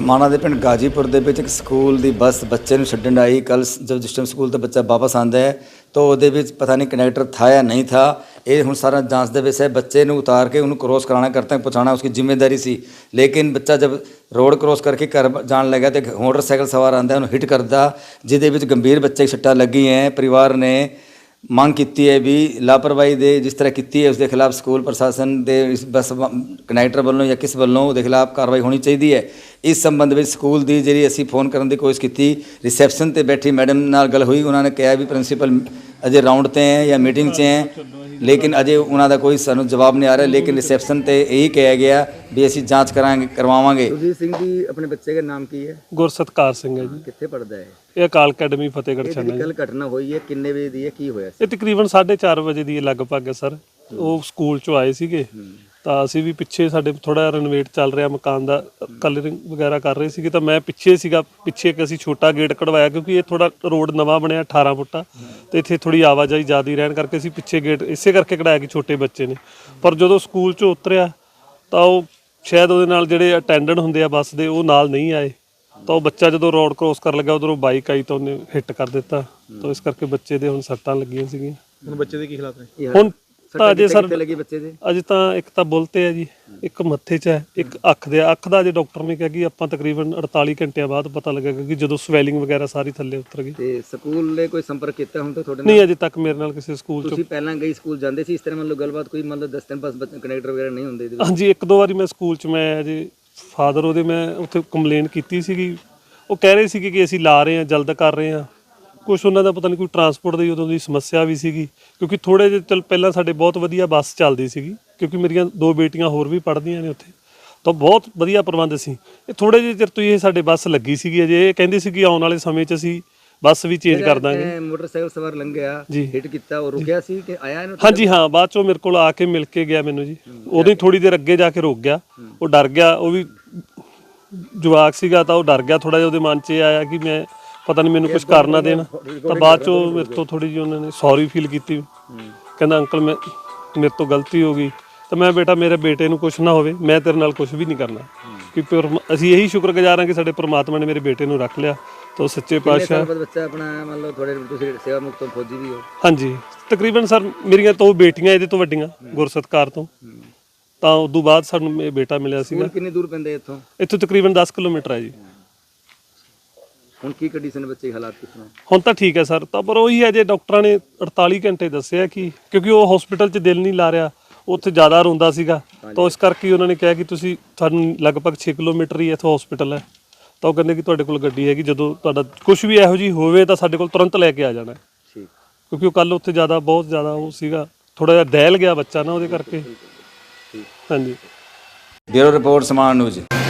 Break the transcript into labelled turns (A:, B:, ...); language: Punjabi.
A: समाणा के पिंड गाजीपुर के एक स्कूल की बस बच्चे छड्डण आई कल जब जिस टाइम स्कूल तो बच्चा वापस आता है तो वो पता नहीं कंडक्टर था या नहीं था। ये हूँ सारा जांच के विषय बच्चे उतार के उन्होंने क्रॉस कराना करते पहुँचाना उसकी जिम्मेदारी सी। लेकिन बच्चा जब रोड क्रॉस करके घर जान लगा तो मोटरसाइकिल सवार आता उन्होंने हिट करता जिद गंभीर बच्चे सट्टा लगी हैं। परिवार ने ਮੰਗ ਕੀਤੀ है भी लापरवाही दे जिस तरह की है उसके खिलाफ स्कूल प्रशासन के इस बस कनैक्टर वालों या किस वालों उसके खिलाफ कार्रवाई होनी चाहिए है। इस संबंध में स्कूल की जी असी फोन करने की कोशिश की रिसैप्शन पर बैठी मैडम नाल गल हुई उन्होंने कहा भी प्रिंसीपल अजे राउंड ते हैं या मीटिंग से हैं लेकिन अजे उन्होंने कोई सानू जवाब नहीं आ रहा। लेकिन रिसैप्शन पर यही कहा गया भी असी जाँच करवावांगे।
B: सुरजीत सिंह जी अपने बच्चे का नाम की है?
C: गुरसतकार सिंह है जी।
B: कितने पढ़ता है?
C: ਇਹ ਅਕਾਲ ਅਕੈਡਮੀ ਫਤਿਹਗੜ੍ਹ ਛੰਨਾ
B: कल घटना हुई है किन्ने बजे दी है की होया?
C: ਇਹ ਤਕਰੀਬਨ 4:30 ਵਜੇ ਦੀ ਲਗਭਗ ਹੈ ਸਰ। ਉਹ ਸਕੂਲ ਚੋਂ ਆਏ ਸੀਗੇ ਤਾਂ ਅਸੀਂ ਵੀ ਪਿੱਛੇ ਸਾਡੇ ਥੋੜਾ ਰਨੋਵੇਟ ਚੱਲ ਰਿਹਾ ਮਕਾਨ ਦਾ ਕਲਰਿੰਗ ਵਗੈਰਾ ਕਰ ਰਹੇ ਸੀਗੇ ਤਾਂ ਮੈਂ ਪਿੱਛੇ ਸੀਗਾ। ਪਿੱਛੇ ਇੱਕ ਅਸੀਂ ਛੋਟਾ ਗੇਟ ਕਢਵਾਇਆ ਕਿਉਂਕਿ ਇਹ ਥੋੜਾ ਰੋਡ ਨਵਾਂ ਬਣਿਆ 18 ਫੁੱਟਾ ਤੇ ਇੱਥੇ ਥੋੜੀ ਆਵਾਜਾਈ ਜ਼ਿਆਦਾ ਰਹਿਣ ਕਰਕੇ ਅਸੀਂ ਪਿੱਛੇ ਗੇਟ ਇਸੇ ਕਰਕੇ ਕਢਾਇਆ ਕਿ ਛੋਟੇ ਬੱਚੇ ਨੇ। ਪਰ ਜਦੋਂ ਸਕੂਲ ਚੋਂ ਉਤਰਿਆ ਤਾਂ ਉਹ ਸ਼ਾਇਦ ਉਹਦੇ ਨਾਲ ਜਿਹੜੇ ਅਟੈਂਡੈਂਟ ਹੁੰਦੇ ਆ ਬੱਸ ਦੇ ਉਹ ਨਾਲ ਨਹੀਂ ਆਏ ਤਾਂ ਉਹ ਬੱਚਾ ਜਦੋਂ ਰੋਡ ਕ੍ਰੋਸ ਕਰਨ ਲੱਗਾ ਉਧਰੋਂ ਬਾਈਕ ਆਈ ਤਾਂ ਉਹਨੇ ਹਿੱਟ ਕਰ ਦਿੱਤਾ ਤਾਂ ਇਸ ਕਰਕੇ ਬੱਚੇ ਦੇ ਹੁਣ ਸੱਟਾਂ ਲੱਗੀਆਂ ਸੀਗੀਆਂ।
B: ਹੁਣ ਬੱਚੇ ਦੇ ਕੀ ਹਾਲਾਤ ਨੇ?
C: ਹੁਣ ਤਾਂ ਅਜੇ ਸਰ
B: ਲੱਗੀ ਬੱਚੇ ਦੇ
C: ਅਜੇ ਤਾਂ ਇੱਕ ਤਾਂ ਬੁੱਲ ਤੇ ਹੈ ਜੀ, ਇੱਕ ਮੱਥੇ 'ਚ ਹੈ, ਇੱਕ ਅੱਖ ਦੇ ਅੱਖ ਦਾ ਜੇ ਡਾਕਟਰ ਨੇ ਕਿਹਾ ਕਿ ਆਪਾਂ ਤਕਰੀਬਨ 48 ਘੰਟਿਆਂ ਬਾਅਦ ਪਤਾ ਲੱਗੇਗਾ ਕਿ ਜਦੋਂ ਸਵੈਲਿੰਗ ਵਗੈਰਾ ਸਾਰੀ ਥੱਲੇ ਉਤਰ ਗਈ।
B: ਤੇ ਸਕੂਲ ਨੇ ਕੋਈ ਸੰਪਰਕ ਕੀਤਾ ਹੁਣ ਤੱਕ ਤੁਹਾਡੇ ਨਾਲ?
C: ਨਹੀਂ ਅਜੇ ਤੱਕ ਮੇਰੇ ਨਾਲ ਕਿਸੇ ਸਕੂਲ 'ਚ।
B: ਤੁਸੀਂ ਪਹਿਲਾਂ ਗਈ ਸਕੂਲ ਜਾਂਦੇ ਸੀ ਇਸ ਤਰ੍ਹਾਂ ਮਤਲਬ ਗੱਲਬਾਤ ਕੋਈ ਮਤਲਬ 10 ਦਿਨ ਬਸ ਕਨੈਕਟਰ ਵਗੈਰਾ ਨਹੀਂ ਹੁੰਦੇ?
C: ਹਾਂਜੀ ਇੱਕ ਦੋ ਵਾਰੀ ਮੈਂ ਸਕੂਲ 'ਚ ਮੈਂ ਅਜੇ ਫਾਦਰ ਉਹਦੇ ਮੈਂ ਉੱਥੇ ਕੰਪਲੇਂਟ ਕੀਤੀ ਸੀਗੀ। ਉਹ ਕਹਿ ਰਹੇ ਸੀਗੇ ਕਿ ਅਸੀਂ ਲਾ ਰਹੇ ਹਾਂ ਜਲਦ ਕਰ ਰਹੇ ਹਾਂ। ਕੁਛ ਉਹਨਾਂ ਦਾ ਪਤਾ ਨਹੀਂ ਕੋਈ ਟਰਾਂਸਪੋਰਟ ਦੀ ਉਦੋਂ ਦੀ ਸਮੱਸਿਆ ਵੀ ਸੀਗੀ ਕਿਉਂਕਿ ਥੋੜ੍ਹੇ ਜਿਹੇ ਚੱਲ ਪਹਿਲਾਂ ਸਾਡੇ ਬਹੁਤ ਵਧੀਆ ਬੱਸ ਚੱਲਦੀ ਸੀਗੀ ਕਿਉਂਕਿ ਮੇਰੀਆਂ 2 ਬੇਟੀਆਂ ਹੋਰ ਵੀ ਪੜ੍ਹਦੀਆਂ ਨੇ ਉੱਥੇ ਤਾਂ ਬਹੁਤ ਵਧੀਆ ਪ੍ਰਬੰਧ ਸੀ। ਇਹ ਥੋੜ੍ਹੇ ਜਿਹੇ ਚਿਰ ਤੋਂ ਇਹ ਸਾਡੇ ਬੱਸ ਲੱਗੀ ਸੀਗੀ ਅਜੇ ਇਹ ਕਹਿੰਦੇ ਸੀ ਕਿ ਆਉਣ ਵਾਲੇ ਸਮੇਂ 'ਚ ਅਸੀਂ ਬੱਸ ਵੀ ਚੇਂਜ ਕਰ ਦਾਂਗੇ।
B: ਮੋਟਰਸਾਈਕਲ ਸਵਾਰ ਲੰਘਿਆ ਹਿੱਟ ਕੀਤਾ ਉਹ ਰੁਕਿਆ ਸੀ ਕਿ ਆਇਆ ਇਹਨੂੰ?
C: ਹਾਂਜੀ ਹਾਂ ਬਾਅਦ 'ਚੋਂ ਮੇਰੇ ਕੋਲ ਆ ਕੇ ਮਿਲ ਕੇ ਗਿਆ ਮੈਨੂੰ ਜੀ। ਉਦੋਂ ਹੀ ਥੋੜ੍ਹੀ ਦੇਰ ਅੱਗੇ ਜਾ ਕੇ ਰੁਕ ਗਿਆ। ਉਹ ਡਰ ਗਿਆ, ਉਹ ਵੀ ਜਵਾਕ ਸੀਗਾ ਤਾਂ ਉਹ ਡਰ ਗਿਆ ਥੋੜ੍ਹਾ ਜਿਹਾ। ਉਹਦੇ ਮਨ 'ਚ ਇਹ ਆਇਆ ਕਿ ਮੈਂ ਪਤਾ ਨਹੀਂ ਮੈਨੂੰ ਕੁਝ ਕਰ ਨਾ ਦੇਣ ਤਾਂ ਬਾਅਦ 'ਚੋਂ ਮੇਰੇ ਤੋਂ ਥੋੜ੍ਹੀ ਜਿਹੀ ਉਹਨਾਂ ਨੇ ਸੌਰੀ ਫੀਲ ਕੀਤੀ। ਕਹਿੰਦਾ ਅੰਕਲ ਮੇਰੇ ਤੋਂ ਗਲਤੀ ਹੋ ਗਈ ਤਾਂ ਮੈਂ ਬੇਟਾ ਮੇਰੇ ਬੇਟੇ ਨੂੰ ਕੁਝ ਨਾ ਹੋਵੇ ਮੈਂ ਤੇਰੇ ਨਾਲ ਕੁਝ ਵੀ ਨਹੀਂ ਕਰਨਾ ਕਿ ਅਸੀਂ ਇਹੀ ਸ਼ੁਕਰਗੁਜ਼ਾਰ ਹਾਂ ਕਿ ਸਾਡੇ ਪ੍ਰਮਾਤਮਾ ਨੇ ਮੇਰੇ ਬੇਟੇ ਨੂੰ ਰੱਖ ਲਿਆ ਤਾਂ ਸੱਚੇ ਪਾਤਸ਼ਾਹ।
B: ਬੱਚਾ ਆਪਣਾ ਮਤਲਬ ਤੁਹਾਡੇ ਤੁਸੀਂ ਸੇਵਾ ਮੁਕਤ ਫੌਜੀ ਵੀ ਹੋ?
C: ਹਾਂਜੀ ਤਕਰੀਬਨ ਸਰ ਮੇਰੀਆਂ 2 ਬੇਟੀਆਂ ਇਹਦੇ ਤੋਂ ਵੱਡੀਆਂ ਗੁਰਸਤਕਾਰ ਤੋਂ ਤਾਂ ਉਦੋਂ ਬਾਅਦ ਸਾਨੂੰ ਇਹ ਬੇਟਾ ਮਿਲਿਆ ਸੀਗਾ।
B: ਕਿੰਨੀ ਦੂਰ ਪੈਂਦੇ ਇੱਥੋਂ?
C: ਇੱਥੋਂ ਤਕਰੀਬਨ 10 ਕਿਲੋਮੀਟਰ ਹੈ ਜੀ।
B: ਹੁਣ ਕੀ ਕੰਡੀਸ਼ਨ ਬੱਚੇ ਦੀ ਹਾਲਾਤ ਕਿਸ ਤਰ੍ਹਾਂ?
C: ਹੁਣ ਤਾਂ ਠੀਕ ਹੈ ਸਰ ਤਾਂ ਪਰ ਉਹੀ ਹੈ ਜੇ ਡਾਕਟਰਾਂ ਨੇ 48 ਘੰਟੇ ਦੱਸਿਆ ਕਿ ਕਿਉਂਕਿ ਉਹ ਹਸਪੀਟਲ 'ਚ ਦਿਲ ਨਹੀਂ ਲਾ ਰਿਹਾ ਉੱਥੇ ਜ਼ਿਆਦਾ ਰੋਂਦਾ ਸੀਗਾ ਤਾਂ ਇਸ ਕਰਕੇ ਉਹਨਾਂ ਨੇ ਕਿਹਾ ਕਿ ਤੁਸੀਂ ਤੁਹਾਨੂੰ ਲਗਭਗ 6 ਕਿਲੋਮੀਟਰ ਹੀ ਇੱਥੋਂ ਹਸਪੀਟਲ ਹੈ ਤਾਂ ਉਹ ਕਹਿੰਦੇ ਕਿ ਤੁਹਾਡੇ ਕੋਲ ਗੱਡੀ ਹੈਗੀ ਜਦੋਂ ਤੁਹਾਡਾ ਕੁਝ ਵੀ ਇਹੋ ਜਿਹੀ ਹੋਵੇ ਤਾਂ ਸਾਡੇ ਕੋਲ ਤੁਰੰਤ ਲੈ ਕੇ ਆ ਜਾਣਾ ਕਿਉਂਕਿ ਉਹ ਕੱਲ ਉੱਥੇ ਬਹੁਤ ਜ਼ਿਆਦਾ ਉਹ ਸੀਗਾ ਥੋੜਾ ਜਿਹਾ ਦਹਿਲ ਗਿਆ ਬੱਚਾ ਨਾ ਉਹਦੇ ਕਰਕੇ। ਹਾਂਜੀ
A: ब्यूरो रिपोर्ट समाण न्यूज़।